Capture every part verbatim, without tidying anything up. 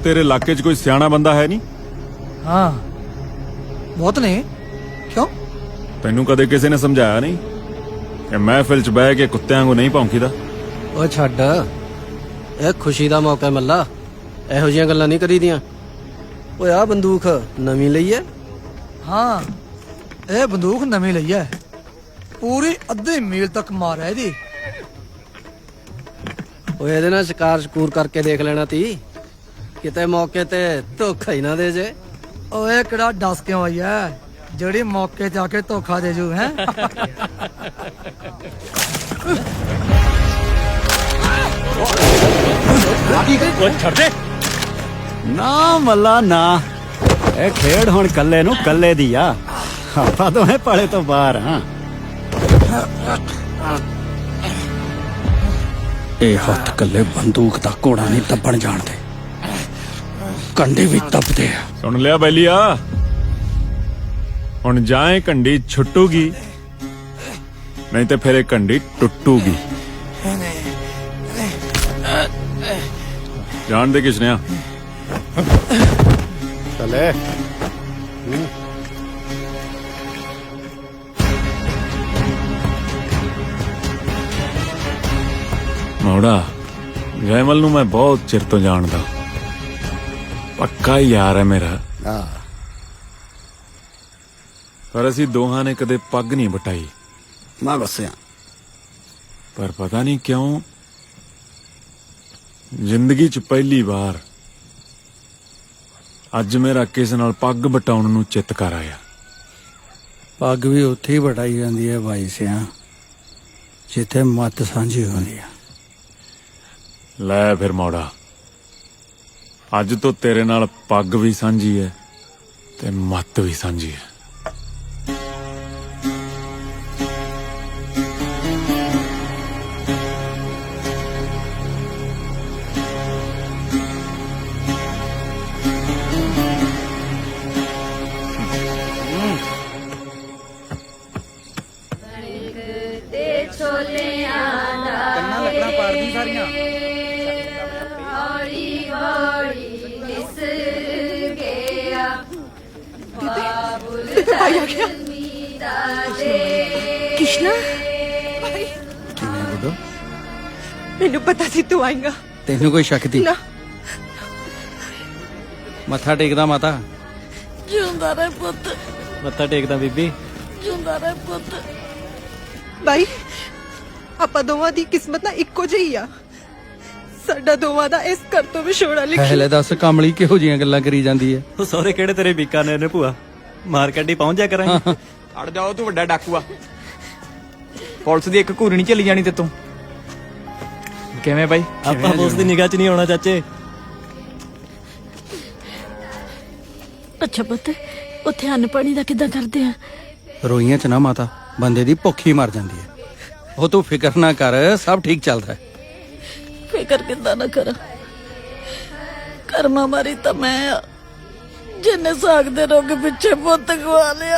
तेरे इलाके च कोई सियाना बंदा है नहीं? हाँ बहुत ने। क्यों? तेनू कदे किसी ने समझाया नहीं कि महफिल च बह के कुत्तियां को नहीं भौंकीदा? ओ छड्ड, ਇਹ ਖੁਸ਼ੀ ਦਾ ਮੌਕਾ ਮੱਲਾ, ਇਹੋ ਜਿਹੀਆਂ ਗੱਲਾਂ ਨਹੀਂ ਕਰੀਦੀਆਂ। ਓਏ ਆ ਬੰਦੂਕ ਨਵੀਂ ਲਈ ਐ? हाँ ਇਹ ਬੰਦੂਕ ਨਵੀਂ ਲਈ ਹੈ, ਪੂਰੀ ਅੱਧੇ ਮੀਲ ਤੱਕ ਮਾਰ ਹੈ ਇਹਦੀ। ਓਏ ਇਹਦੇ ਨਾਲ ਸ਼ਿਕਾਰ ਸ਼ਕੂਰ ਕਰਕੇ ਦੇਖ ਲੈਣਾ ਤੀ, ਕਿਤੇ ਮੌਕੇ ਤੇ ਧੋਖਾ ਹੀ ਨਾ ਦੇ ਜੇ। ਓਏ ਕਿਹੜਾ ਦੱਸ ਕਿਉਂ ਆਈ ਹੈ ਜਿਹੜੀ ਮੌਕੇ ਤੇ ਆ ਕੇ ਧੋਖਾ ਦੇ ਜੂ ਹੈ। ਛੱਡ ਦੇ ਨਾ ਮੱਲਾ ਨਾ, ਇਹ ਖੇਡ ਹੁਣ ਕੱਲੇ ਨੂੰ ਕੱਲੇ ਦੀ ਆ, ਆਪਾਂ ਦੋਵੇਂ ਪਾਲੇ ਤੋਂ ਬਾਹਰ ਹਾਂ। ਇਹ ਹੱਥ ਕੱਲੇ ਬੰਦੂਕ ਦਾ ਘੋੜਾ ਨਹੀਂ ਦੱਬਣ ਜਾਣਦੇ, ਕੰਡੇ ਵੀ ਦੱਬਦੇ ਆ। सुन लिया बैलिया, हुण जाए कंडी छुट्टूगी नहीं तो फिर कंडी टुट्टूगी। जान दे किसने आ? चले ਮੋੜਾ ਜੈਮਲ ਨੂੰ ਮੈਂ ਬਹੁਤ ਚਿਰ ਤੋਂ ਜਾਣਦਾ, ਪੱਕਾ ਯਾਰ ਹੈ ਮੇਰਾ। ਪਰ ਅਸੀਂ ਦੋਹਾਂ ਨੇ ਕਦੇ ਪੱਗ ਨਹੀਂ ਬਟਾਈ। ਮੈਂ ਦੱਸਿਆ ਪਰ ਪਤਾ ਨਹੀਂ ਕਿਉਂ ਜ਼ਿੰਦਗੀ 'ਚ ਪਹਿਲੀ ਵਾਰ ਅੱਜ ਮੇਰਾ ਕਿਸੇ ਨਾਲ ਪੱਗ ਬਟਾਉਣ ਨੂੰ ਚਿੱਤ ਕਰ ਆਇਆ। ਪੱਗ ਵੀ ਉੱਥੇ ਹੀ ਬਟਾਈ ਜਾਂਦੀ ਹੈ ਭਾਈ ਸਿਆ, ਜਿੱਥੇ ਮੱਤ ਸਾਂਝੀ ਹੁੰਦੀ ਆ। ਲੈ ਫਿਰ ਮੋੜਾ, ਅੱਜ ਤੋਂ ਤੇਰੇ ਨਾਲ ਪੱਗ ਵੀ ਸਾਂਝੀ ਹੈ ਤੇ ਮੱਤ ਵੀ ਸਾਂਝੀ ਹੈ। ਕੰਨਾਂ ਲੱਕੜਾਂ ਪਾੜਦੀ ਸਾਰੀਆਂ। कृष्णा, ਕਿਵੇਂ ਬੁੱਢੋ, मैनू पता सी तू आएगा ਤੈਨੂੰ ਕੋਈ ਸ਼ੱਕ ਤੀ? ना। ਮੱਥਾ ਟੇਕਦਾ ਮਾਤਾ, जिंदा रहे पुत, ਮੱਥਾ ਟੇਕਦਾ ਬੀਬੀ। जिंदा रहे पुत। भाई ਆਪਾਂ ਦੋਵਾਂ ਦੀ ਕਿਸਮਤ ਨਾ ਇੱਕੋ ਜਿਹੀ ਆ, ਸਾਡਾ ਦੋਵਾਂ ਦਾ ਇਸ ਘਰ ਤੋਂ ਵਿਛੋੜਾ ਲਿਖੀ। ਪਹਿਲੇ ਦੱਸ ਕਮਲੀ ਕਿਹੋ ਜੀਆਂ ਗੱਲਾਂ ਕਰੀ ਜਾਂਦੀ ਹੈ? ਉਹ ਸਹੁਰੇ ਕਿਹੜੇ ਤੇਰੇ ਬੀਕਾਨੇਰ ਨੇ ਭੂਆ, ਮਾਰਕੀਟ ਹੀ ਪਹੁੰਚ ਜਾ ਕਰਾਂਗੇ। ਅੜ ਜਾਓ ਤੂੰ ਵੱਡਾ ਡਾਕੂ ਆ, ਪੁਲਿਸ ਦੀ ਇੱਕ ਘੂਰੀ ਨਹੀਂ ਚੱਲੀ ਜਾਣੀ ਤੇ ਤੂੰ ਕਿਵੇਂ ਬਾਈ? ਆਪਾਂ ਉਸ ਦੀ ਨਿਗਾਹ 'ਚ ਨਹੀਂ ਆਉਣਾ ਚਾਚੇ। ਅੱਛਾ ਪੁੱਤ, ਉੱਥੇ ਅੰਨ ਪਾਣੀ ਦਾ ਕਿੱਦਾਂ ਕਰਦੇ ਆ? ਰੋਈਆਂ ਚ ਨਾ ਮਾਤਾ, ਬੰਦੇ ਦੀ ਭੁੱਖ ਹੀ ਮਰ ਜਾਂਦੀ ਹੈ। ਉਹ ਤੂੰ ਫਿਕਰ ਨਾ ਕਰ, ਸਭ ਠੀਕ ਚੱਲਦਾ ਹੈ। ਫਿਕਰ ਕਿੱਦਾਂ ਨਾ ਕਰਾਂ, ਕਰਮਾ ਮਾਰੀ ਤਾਂ ਮੈਂ ਆ ਜਿੰਨੇ ਸਾਗ ਦੇ ਰੋਗ ਪਿੱਛੇ ਪੁੱਤ ਗਵਾ ਲਿਆ।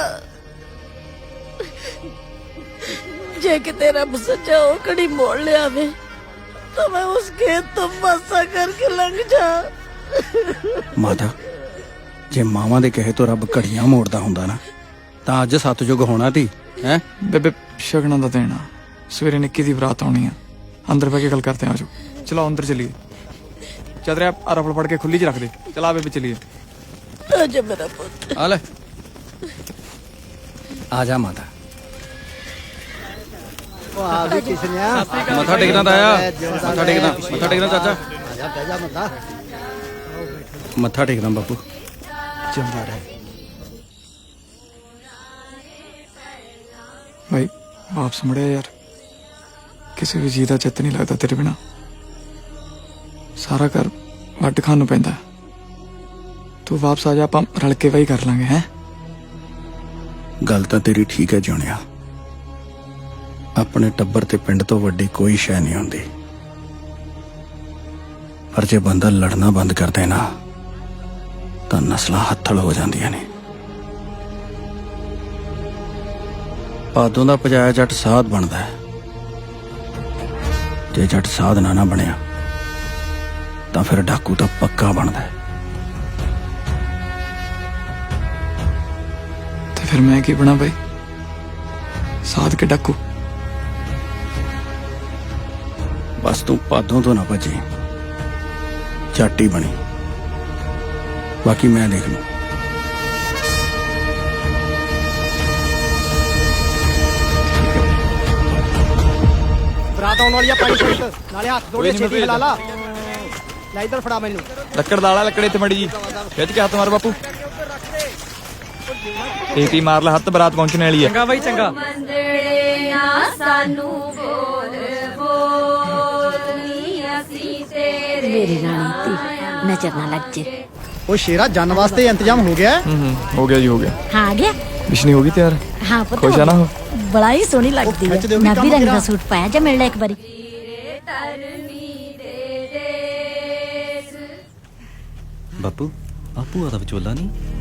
ਜੇ ਕਿਤੇ ਰੱਬ ਸੱਚਾ ਉਹ ਕੜੀ ਮੋੜ ਲਿਆਵੇ ਤਾਂ ਮੈਂ ਉਸ ਖੇਤ ਤੋਂ ਪਾਸਾ ਕਰਕੇ ਲੰਘ ਜਾ। ਮਾਤਾ, ਜੇ ਮਾਵਾਂ ਦੇ ਕਹੇ ਤੋਂ ਰੱਬ ਘੜੀਆਂ ਮੋੜਦਾ ਹੁੰਦਾ ਨਾ, ਤਾਂ ਅੱਜ ਸਤਜੁਗ ਹੋਣਾ ਤੀ ਹੈ। ਬੇਬੇ ਸ਼ਗਨਾਂ ਦਾ ਦੇਣਾ, ਸਵੇਰੇ ਨਿੱਕੀ ਦੀ ਬਰਾਤ ਆਉਣੀ ਆ, ਅੰਦਰ ਬਹਿ ਕੇ ਗੱਲ ਕਰਦੇ ਆ। ਆਜੋ ਚਲੋ ਅੰਦਰ ਚਲੀਏ। ਚਾਦਰਿਆ ਆ ਰਫਲ ਫੜ ਕੇ ਖੁੱਲੀ 'ਚ ਰੱਖ ਦੇ। ਚਲਾ ਬੇਬੇ ਚਲੀਏ। ਆਜਾ ਮੇਰਾ ਪੁੱਤ। ਆ ਲੈ, ਆ ਜਾ ਮਾਤਾ। ਮੱਥਾ ਟੇਕਣਾ ਤਾਇਆ, ਮੱਥਾ ਟੇਕਣਾ, ਮੱਥਾ ਟੇਕਣਾ ਚਾਚਾ, ਮੱਥਾ ਟੇਕਣਾ ਬਾਪੂ। ਜਿੰਦਾ ਰਹੇ ਭਾਈ। ਵਾਪਸ ਮੁੜਿਆ ਯਾਰ, ਕਿਸੇ ਵੀ ਚੀਜ਼ ਦਾ ਚਿੱਤ ਨਹੀਂ ਲੱਗਦਾ ਤੇਰੇ ਬਿਨਾ। ਸਾਰਾ ਘਰ ਵੱਢ ਖਾਣ ਨੂੰ ਪੈਂਦਾ। ਤੂੰ ਵਾਪਸ ਆ ਜਾ, ਆਪਾਂ ਰਲ ਕੇ ਵਹੀ ਕਰ ਲਾਂਗੇ। ਹੈ ਗੱਲ ਤਾਂ ਤੇਰੀ ਠੀਕ ਹੈ ਜਿਉਣਿਆ, ਆਪਣੇ ਟੱਬਰ ਤੇ ਪਿੰਡ ਤੋਂ ਵੱਡੀ ਕੋਈ ਸ਼ੈ ਨਹੀਂ ਹੁੰਦੀ। ਪਰ ਜੇ ਬੰਦਾ ਲੜਨਾ ਬੰਦ ਕਰ ਦੇ ਨਾ, ਤਾਂ ਨਸਲਾਂ ਹੱਥਲ ਹੋ ਜਾਂਦੀਆਂ ਨੇ। ਪਾਦੋਂ ਦਾ ਪਜਾਇਆ ਜੱਟ ਸਾਧ ਬਣਦਾ ਹੈ, ਜੇ ਜੱਟ ਸਾਧ ਨਾ ਨਾ ਬਣਿਆ ਤਾਂ ਫਿਰ ਡਾਕੂ ਤਾਂ ਪੱਕਾ ਬਣਦਾ ਹੈ। ਫਿਰ ਮੈਂ ਕੀ ਬਣਾ ਬਈ? ਸਾਧ ਕੇ ਡਾਕੂ? ਬਸ ਤੂੰ ਪਾਦੋਂ ਤੋਂ ਨਾ ਬਚੇ, ਝੱਟ ਹੀ ਬਣੀ, ਬਾਕੀ ਮੈਂ ਦੇਖ ਲੂੰ। ਬਰਾਤ ਆਉਣ ਵਾਲੀ ਆ, ਪਾਣੀ ਛੱਡ ਨਾਲੇ ਹੱਥ ਕੋਈ ਨੀ, ਮੈਂ ਛੇਤੀ ਹਿਲਾ ਲਾ। ਲੈ ਇੱਧਰ ਫੜਾ ਮੈਨੂੰ। ਲੱਕੜ ਦਾਲਾ ਲੱਕੜੇ ਤੇ ਮੜੀ ਜੀ, ਖਿੱਚ ਕੇ ਹੱਥ ਮਾਰ ਬਾਪੂ। ਟੀਟੀ ਮਾਰ ਲੈ ਹੱਥ, ਬਰਾਤ ਪਹੁੰਚਣ ਵਾਲੀ ਹੈ। ਚੰਗਾ ਬਾਈ ਚੰਗਾ। ਮੰਦੜੇ ਨਾ ਸਾਨੂੰ ਬੋਲ ਬੋਲਨੀ ਅਸੀਂ ਤੇਰੇ ਮੇਰੀ ਰਾਣੀ ਧੀ ਨਜ਼ਰ ਨਾ ਲੱਗ ਜੇ। ਉਹ ਸ਼ੇਰਾ ਜਨ ਵਾਸਤੇ ਇੰਤਜ਼ਾਮ ਹੋ ਗਿਆ? ਹੂੰ ਹੂੰ ਹੋ ਗਿਆ ਜੀ, ਹੋ ਗਿਆ। ਹਾਂ ਆ ਗਿਆ। ਵਿਸ਼ਨੀ ਹੋ ਗਈ ਤਿਆਰ? ਹਾਂ ਪੁੱਤ ਖੁਸ਼ ਆ ਨਾ ਉਹ? ਬੜਾ ਹੀ ਸੋਹਣੀ ਲੱਗਦੀ ਖਿੱਚ ਹੈ। ਦਿਓ ਵੀ ਨਾਭੀ ਕੰਮ ਰੰਗ ਦਾ ਤੇਰਾ। ਸੂਟ ਪਾਇਆ ਜਾਂ ਮਿਲ ਲੈ ਇੱਕ ਵਾਰੀ। ਤਰਨੀ ਦੇ ਦੇਸ ਬਾਪੂ ਆ ਭੂਆ ਦਾ ਵਿਚੋਲਾ ਨਹੀਂ?